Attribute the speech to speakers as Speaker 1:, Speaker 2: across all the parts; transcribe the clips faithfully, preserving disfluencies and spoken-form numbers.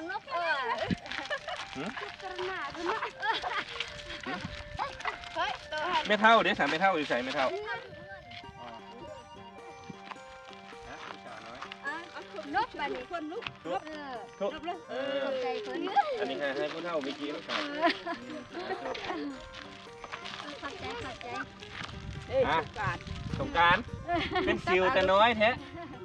Speaker 1: นกเออกระหน่ำนะเฮ้ย
Speaker 2: ไม่เท่าเดี๋ยวสามไม่เท่าอยู่ใส่ไม่เท่า
Speaker 1: นกแบบนี้คนลุกนกเออนกเลยเออใจเพิ่น
Speaker 2: อันนี้ให้ให้ผู้เท่าเมื่อกี้แล้วกัน
Speaker 1: ขอบใจขอบใจ
Speaker 2: เอ้ยสงกรานต์เป็นซิวแต่น้อยแท้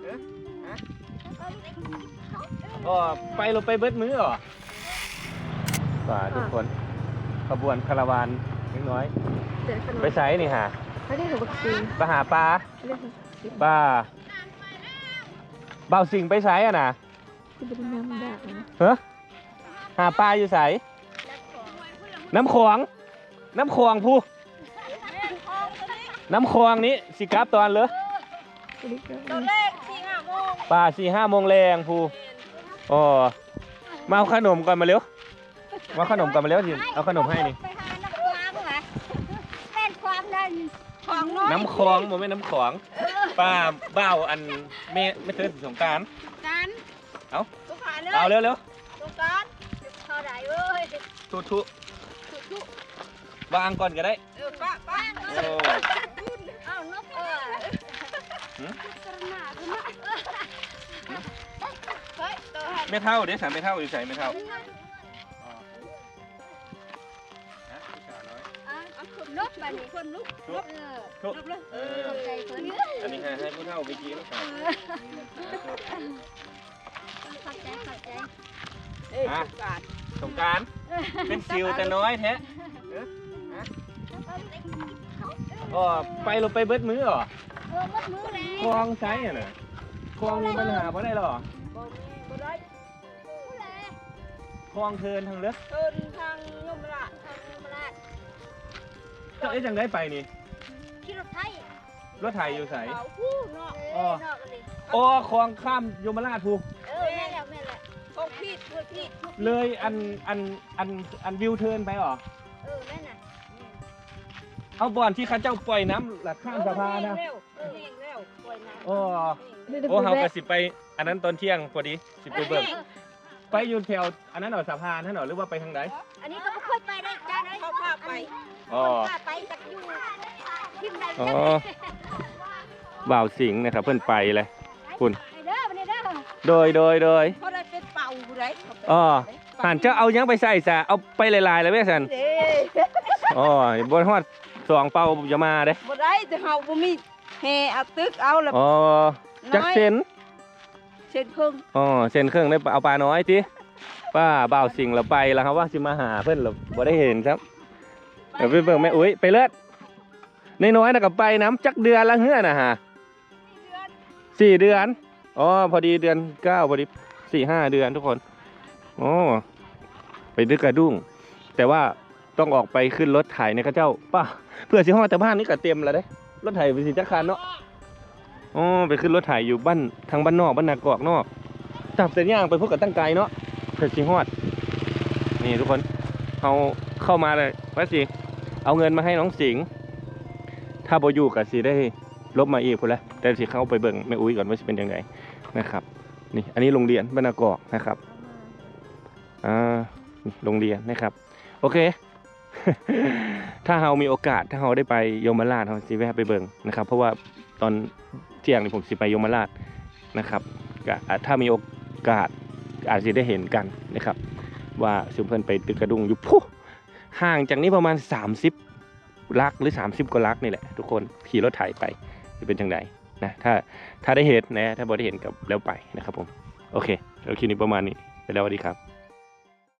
Speaker 2: อ๋อไปลงไปเบิดมือเหรอป่าทุกคนขบวนคาราวานเล็กน้อยไปไสนี่ฮะไปหาปลาปลาเบาสิ่งไปไสอ่ะนะเฮ้อหาปลาอยู่ไสน้ำขวางน้ำขวางผู้น้ำคลองนี้สิกลับตอนเลย
Speaker 1: ตอนแรกสี่ห้าโมง
Speaker 2: ป่าสี่ห้าโมงแรงผู้อ๋อมาเอาขนมก่อนมาเร็วมาขนมก่อนมาเร็วสิเอาขนมให้นี่
Speaker 1: ไปหาน้ำคลองเหรอแม่นความนั่นของน้อย
Speaker 2: น้ำคลองมันไม่น้ำขลองป้าเบ้าอันไม่ไม่เคยสงกรานต์
Speaker 1: กัน
Speaker 2: เอาเอาเร็วเร็ว
Speaker 1: สงกรานต์เท่าไหร่เว้ย
Speaker 2: ทุทุวางก่อนก็ได้
Speaker 1: เออป้าป้าเออเอานกเออกระหน่ำนะเฮ้ย
Speaker 2: ไม่เท่าเดี๋ยวสามไม่เท่าอยู่ใส่ไม่เท่า
Speaker 1: นกแบบนี้คนลุกนกเออนกเลยเออใจเพิ่น
Speaker 2: อันนี้ให้ให้ผู้เท่าเมื่อกี้แล้วกัน
Speaker 1: ขอบใจขอบใจ
Speaker 2: เอ้ยสงกรานต์เป็นซิวแต่น้อยแท้อ๋อไปลงไปเบิดมือเหรอ
Speaker 1: เออเบิดมือเลย
Speaker 2: คลองไซอ่ะน่ะคลองมีปัญหาเพราะได้หรอ
Speaker 1: บ่ได้
Speaker 2: คลองเทินทางเลือก
Speaker 1: เทินทางยมราชทางยมราช
Speaker 2: เจ้าเอ๊ะจังได้ไปนี่
Speaker 1: ขี่รถไถ
Speaker 2: รถไถอยู่ไส
Speaker 1: อ๋อ
Speaker 2: อ๋อคลองข้ามยมราชภู
Speaker 1: เออแม่แล้วแม่แล้วโอ้พี่โอ้พี่
Speaker 2: เลยอันอันอันอันวิวเทินไปหรอ
Speaker 1: เออแม่น่ะ
Speaker 2: เอาบ่อนที่ข้าเจ้าปล่อยน้ำหลักข้ามสะพานนะโอ้โอ้เฮากระสิไปอันนั้นตอนเที่ยงพอดีสิไปเบิ่งไปอยู่แถวอันนั้นหรอสะพานนั่นหรอหรือว่าไปทางไหน
Speaker 1: อันนี้ก็ไม่เคยไปได้จ้าได้เขาพาไป
Speaker 2: อ๋อ
Speaker 1: พาไปจากอยู่ทิมใด
Speaker 2: อ๋อบ่าวสิงห์นะครับเพิ่นไปเลยคุณโดยโดยโดย
Speaker 1: เขาได้เป็นเป่าไร
Speaker 2: อ๋อหันเจ้าเอายังไปใส่ซะเอาไปลายๆเลยแม่สันอ๋อบนฮอดสองเป่าจะมาเด้
Speaker 1: บ่ได้แต่เฮาบ่มีแห่เอาตึกเอาแล้ว
Speaker 2: อ๋อจักเซน
Speaker 1: เซนครึ่ง
Speaker 2: อ๋อเซนครึ่งได้เอาปลาน้อยติป้าบ่าวสิงห์เราไปแล้วครับว่าสิมาหาเพิ่นเราบ่ได้เห็นครับเดี๋ยวไปเบิ่งแม่อุ้ยไปเลิศน้อยๆน่ะก็ไปน้ำจักเดือนละเฮือน่ะฮะสี่เดือนอ๋อพอดีเดือนเก้าพอดีสี่ห้าเดือนทุกคนโอ้ไปดึกกระดุ้งแต่ว่าต้องออกไปขึ้นรถไถในข้าเจ้าป้าเพื่อสิห้องแต่บ้านนี้ก็เต็มแล้วเด้รถไถไปสิจักรคันเนาะอ๋อไปขึ้นรถไถอยู่บ้านทางบ้านนอกบ้านนากอกนอกจับเส้นย่างไปพวกกับตั้งไกลเนาะเพื่อสิฮอดนี่ทุกคนเอาเข้ามาเลยว่าสิเอาเงินมาให้น้องสิงห์ถ้าบ่อยู่กับสิได้ลบมาอีกพุ่นละแต่สิเข้าไปเบิ่งแม่อุ้ยก่อนว่าสิเป็นยังไงนะครับนี่อันนี้โรงเรียนบ้านนากอกนะครับอ่าโรงเรียนนะครับโอเค ถ้าเรามีโอกาสถ้าเราได้ไปยมราชเราสิแวะไปเบิ่งนะครับเพราะว่าตอนเที่ยงนี่ผมสิไปยมราชนะครับถ้ามีโอกาสอาจจะได้เห็นกันนะครับว่าสุเพิ่นไปตึกกระดุงอยู่พุห่างจากนี้ประมาณสามสิบลักหรือสามสิบกว่าลักนี่แหละทุกคนขี่รถไถไปจะเป็นจังไดนะถ้าถ้าได้เห็นนะถ้าบ่ได้เห็นกับแล้วไปนะครับผมโอเคแล้วคลิปนี้ประมาณนี้ไปแล้วสวัสดีครับ